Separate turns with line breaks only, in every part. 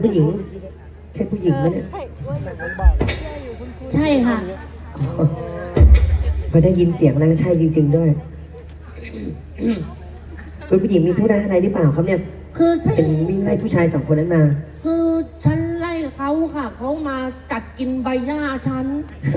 ผู้หญิงใช่ผู้หญิงไหมเนี่ย
ใช่ค่ะ
พอได้ยินเสียงแล้วก็ใช่จริง ๆด้วยคุณผู้หญิงมีธุระอะไรหรือเปล่าครับเนี่ย
คือฉัน
เป็นวิ่งไล่ผู้ชายสองคนนั้นมา
คือฉันไล่เขาค่ะเขามากัดกินใบหญ้าฉัน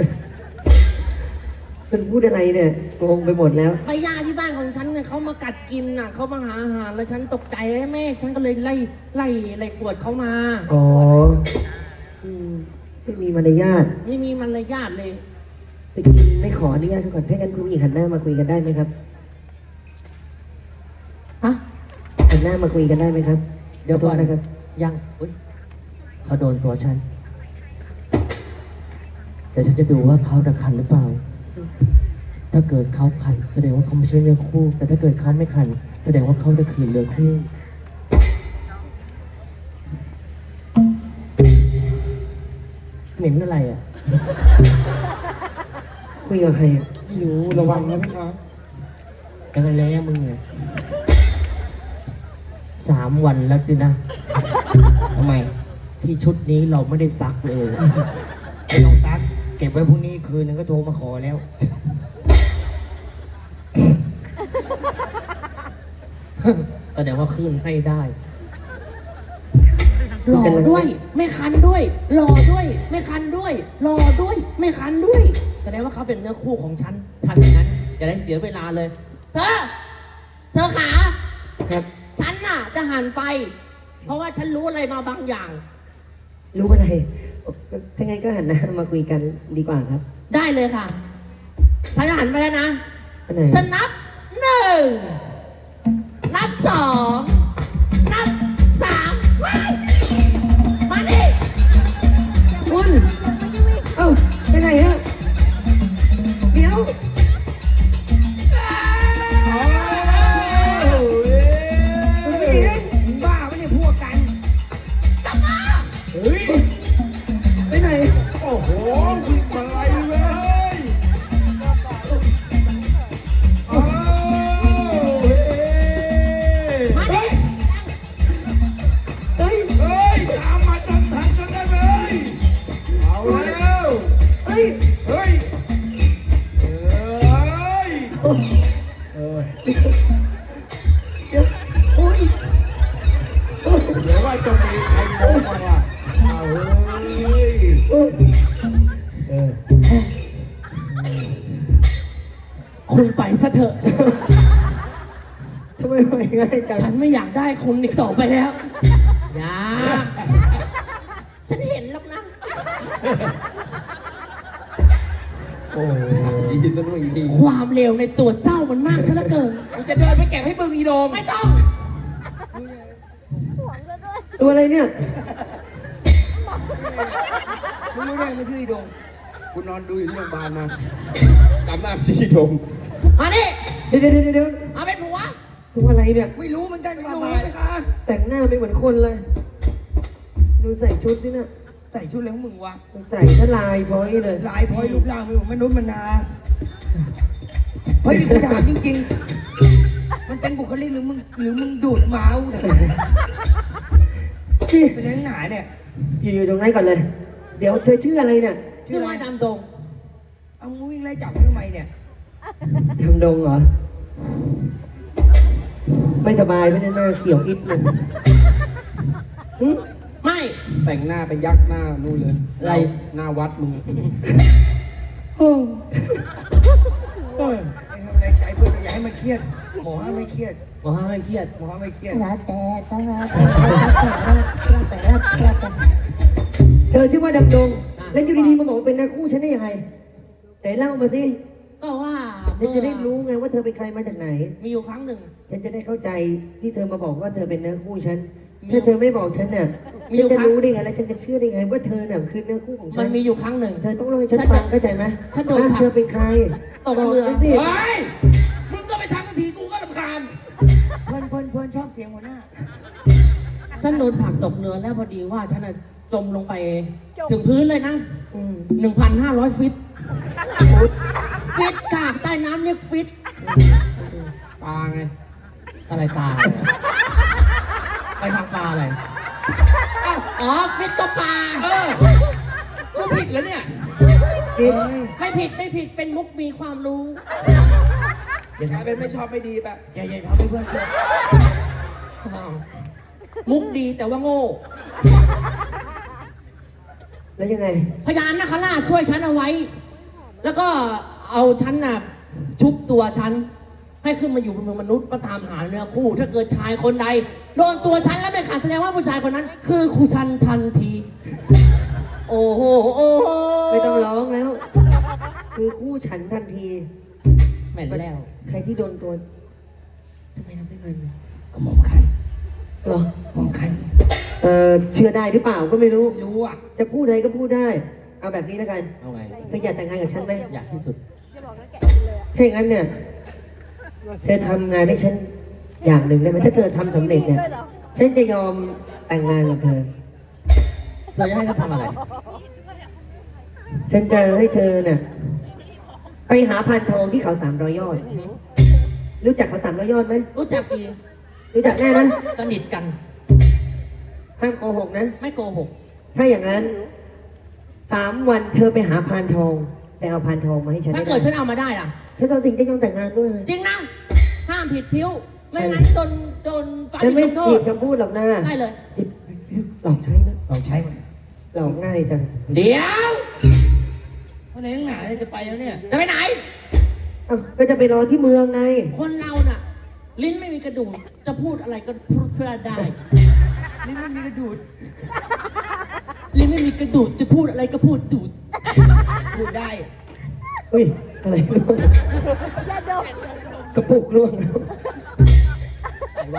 คุณพูดอะไรเนี่ยงงไปหมดแล้ว
ใบหญ้าที่บ้านของฉันเนี่ยเขามากัดกินน่ะเขามาหาอาหารแล้วฉันตกใจเลยแม่ฉันก็เลยไล่กวดเขามา
อ๋ออืมไม่มีมารยาท
ไม่มีมารยาทเลย
ไปกินไม่ขออนุญาตก่อนถ้างั้นคุณผู้หญิงหันหน้ามาคุยกันได้ไหมครับ
ฮะ
หันหน้ามาคุยกันได้ไหมครับ
เดี๋ยวก่อน
ขโทษนะครับ
ยังอุ๊ยเขาโดนตัวฉัน เดี๋ยวฉันจะดูว่าเขาจะคันหรือเปล่า ถ้าเกิดเขาคันแสดงว่าเขาไม่ใช่เนื้อคู่ แต่ถ้าเกิดเขาไม่คันแสดงว่าเขาจะคืนเนื้อคู่ เหม็นอะไรอ่ะ
คุยกับใครอะ
ไม่รู้ระวังนะพี่ครับกันแล้วมึงเนี่ย3 วันแล้วจินะทำไม ที่ชุดนี้เราไม่ได้ซักเลย
ไม่ต้องซักเก็บไว้พรุ่งนี้คืนนึงก็โทรมาขอแล้ว
แสดงว่าขึ้นให้ได้ หล่อด้วย ไม่คันด้วย หล่อด้วย ไม่คันด้วย หล่อด้วย ไม่คันด้วย แสดงว่าเขาเป็นเนื้อคู่ของฉันทำอย่างนั้นจะได้เสียเวลาเลย เธอขา
ครับ
ฉันน่ะจะหันไป เพราะว่าฉันรู้อะไรมาบางอย่าง
รู้อะไรถ้างั้นก็หันหน้ามาคุยกันดีกว่าครับ
ได้เลยค่ะฉันจะหันไปแล้วนะ
อันไหน
ฉันนับ 1 นับ 2 นับ 3 ว้ายมาดิ
คุณเอ้าไปไหนฮะเดี๋ยวคุณผู้หญิง
บ้าไม่ได้พวกกัน
กลับมา
เฮ้ย
ไปไหน
โอ้โหวิ่งมาไล่เลยอ้าวเฮ้ย
มาดิ
เฮ้ย
เฮ้ยตามมาจังทันกันได้ไหมเอาแล้ว
เฮ้ย
เฮ้ยเฮ้ย
เดี๋ยวโอ้ย
เดี๋ยวว่าจะมีใครโดนก่อนว่ะเอาเฮ้ย
โอ้ย
คุณไปซะเถอะ
ทำไมไปง่ายจัง
ฉันไม่อยากได้คุณอีกต่อไปแล้ว อย่า ฉันเห็นแล้วนะ
โอ้ยดีสนุกอีกที
ความเร็วในตัวเจ้ามันมากซะเหลือเกิน
มันจะเดินไปเก็บให้มึงอีโดม
ไม่ต้อง
ตัวอะไรเนี่ย
มึงรู้ได้ไม่ชื่ออีโดมกูนอนดูอยู่ที่โรงพยาบาลมาจำหน้าชื่ออีโดม
มาดิ
เดี๋ยว
เอาเป็นผัว
ตัวอะไรเนี่ย
ไม่รู้เหมือนกันมาไหมคะ
แต่งหน้าไม่เหมือนคนเลย ดูใส่ชุดนี่นะ
ใส่ชุดอะไรของมึงวะ
ใส่ทลายพอยเลย
ลายพลอยรูปร่างไม่เหมือนมนุษย์มนาเฮ้ยนี่กูถามจริงๆ มันเป็นบุคลิกหรือมึงดูดเมาส์เนี่ย
นี่
เป็นยังไงเนี่ย
อยู่ตรงนั้นก่อนเลย เดี๋ยวเธอชื่ออะไรเนี่ย
ชื่อว่าดำดง
เอามึงวิ่งไล่จับทำไมเนี่ย
ทำดงเหรอ ไม่สบายไม่ได้หน้าเขียวอิดเลยหึ
ไม่
แต่งหน้าเป็นยักษ์หน้านู่นเลย
อะไร
หน้าวัดมึง
โอ้
ไม่ทำอะไรใจเพื่อนอย่าให้มันเครียดหมอห้ามไม่เครียด
บอกว่าไม่เครียด
หมอห้ามไม่เครียด
เธอชื่อว่าดำดง แล้วอยู่ดีๆมาบอกว่าเป็นนักคู่ฉันได้ยังไงไหนเล่ามาสิ
ก็ว่า
ฉันจะได้รู้ไงว่าเธอเป็นใครมาจากไหน
มีอยู่ครั้งหนึ่ง
ฉันจะได้เข้าใจที่เธอมาบอกว่าเธอเป็นเนื้อคู่ฉัน
มี
ถ้าเธอไม่บอกฉันเนี่ย
มีอยู่
ฉันจะ
ครั้ง
รู้ได้ไงแล้วฉันจะเชื่อได้ไงว่าเธอเนี่ยคือเนื้อคู่ของฉั
มัน
น
มีอยู่ครั้งหนึ่ง
เธอต้องเล่าให้ฉันฟังเข้าใจไหม
ฉันโดน
ว่า
ผลัก
เธอเป็นใคร
ตกเรือ
บฉันสิ
เฮ้ย มึงก็ไปทำทันทีกูก็รำคาญ
เพื่อนชอบเสียงหัวหน้า
ฉันโดนผลักตกเรือแล้วพอดีว่าฉันน่ะจมลงไปถึงพื้นเลยนะ
อืม
1,500 ฟิต ฟิตค่ะใต้น้ำเรียกฟิต
ปลาไง
อะไรปลา ไปทางปลาอะไร
อ้าว
อ๋อฟิตตัวปลา
กูผิดแล้วเนี่ย
ฟิต
ไม่ผิดเป็นมุกมีความรู้
อย่าก
ลาย
ทำ
เป็นไม่ชอบไม่ดีปะ
อย่าทำให้เพื่อนเครียด
มุกดีแต่ว่าโง่
แล้วยังไง
พญานาคราชช่วยฉันเอาไว้ แล้วก็เอาฉันน่ะชุบตัวฉัน ให้ขึ้นมาอยู่บนเมืองมนุษย์มาตามหาเนื้อคู่ ถ้าเกิดชายคนใดโดนตัวฉันแล้วไม่ขาดแสดงว่าผู้ชายคนนั้น คือครูชันทันที โอ้โหโอ้โห
ไม่ต้องร้องแล้ว คือคู่ฉันทันที
แม่นแล้ว
ใครที่โดนตัวทำไมทำไม่กัน
ก็หมอมคัน
หรอ
หมอมคัน
เชื่อได้หรือเปล่าก็ไม่รู้
รู้อ่ะ
จะพูดอะไรก็พูดได้ เอาแบบนี้แล้วกัน
เอาไง
เธออยากแต่งงานกับฉันไหม
อยากที่สุด
ถ้าอย่างนั้นเนี่ย เธอทำงานให้ฉันอย่างหนึ่งได้ไหมถ้าเธอทำสำเร็จเนี่ย ฉันจะยอมแต่งงานกับเธอ
เธอจะให้เขาทำอะไร
ฉันจะให้เธอเนี่ยไปหาพานทองที่เขา300 ยอด รู้จักเขา300 ยอดไหม
รู้จักดี
รู้จักแน่นะ
สนิทกัน
ห้ามโกหกนะ
ไม่โกหก
ถ้าอย่างนั้น3 วันเธอไปหาพานทองไปเอาพานทองมาให้ฉัน
ถ้า
ให้
เกิดฉั
ได้
นเอามาได้ล่ะ
ฉันจะสิ่งจะยอมแต่งงานด้วย
จริงนะ ห้ามผิดพิ้ว ไม่งั้นโดนฟัน
ฉันไม่
ลงโท
ผิ
ษ
ดคำพูดหรอกนะ
ได้เลย
หลอกใช้นะ
ลองใช้มัน
หลอกง่ายจัง
เดี๋ยว
เพราะในข้างหน้าเนี่ยจะไปแล้วเนี่ย
จะไปไหน
เอ้าก็จะไปรอที่เมืองไง
คนเราน่ะ ลิ้นไม่มีกระดูกจะพูดอะไรก็พูดได้
ลิ้นไม่มีกระดูด
ลิ้นไม่มีกระดูกจะพูดอะไรก็พูดดูด
พูดได้
อุ้ย อะไรร่วงกระปุกร่วง
ใส่ไว้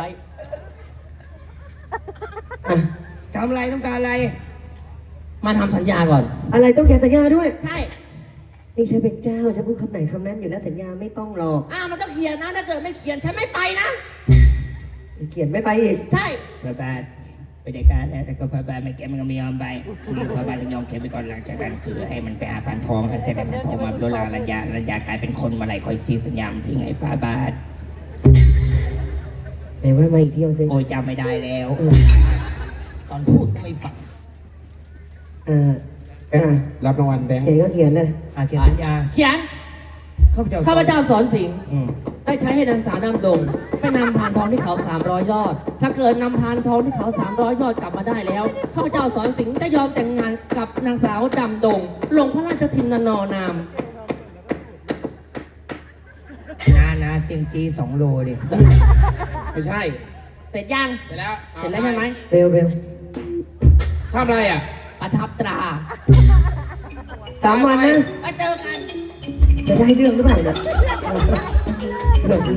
อ่ะ
ทำอะไรต้องการอะไร
มาทำสัญญาก่อน
อะไรต้องแข่สัญญาด้วย
ใช่
นี่ฉันเป็นเจ้าฉันพูดคำไหนคำนั้นอยู่แล้วสัญญาไม่ต้องหรอก
มันต้องเขียนนะ ถ้าเกิดไม่เขียนฉันไม่ไปนะ
เขียนไม่ไปอีก
ใช่
บาบาไปได้การแล้วแต่ก็บาบาไม่แกมันก็ไม่ยอมไปบาบาต้องยอมเขียนไปก่อนหลังจากนั้นคือให้มันไปหาพันทองแล้วจะได้พันทองมาโดนลาลัญญากลายเป็นคนมาไหลคอยจีสัญญามันทิ้งไอ้ฟาบาท
ไหนว่ามาอีกเที่ยวสิ
โอ้ยจำไม่ได้แล้ว
เออ
ตอนพูดก็ไม่ฟัง
อ่าอ่า
รับรางวัลแบงค์
เขียนก็เขียนเลย
เขียนสัญญา
เขียน
ข้าพเจ้า
ข้าพเจ้าสอนสิงห์
อืม
ได้ใช้ให้นางสาวนำดงไปนำพานทองที่เขา300 ยอด ถ้าเกิดนำพานทองที่เขา300 ยอดกลับมาได้แล้ว ข้าพเจ้าสอนสิงห์จะยอมแต่งงานกับนางสาวดำดง ลงพระราชทินนอนาม
นาเซียงจี2 โลดิ
ไม่ใช่
เสร็จยัง
ไปแล้ว
เสร็จแล้วใช่ไหม
เร็วเร็ว
ทำอะไรอ่ะ
ประทับตรา
3 วันนะ
ไปเจอกัน
จะได้เรื่องหรือเปล่าเนี่ย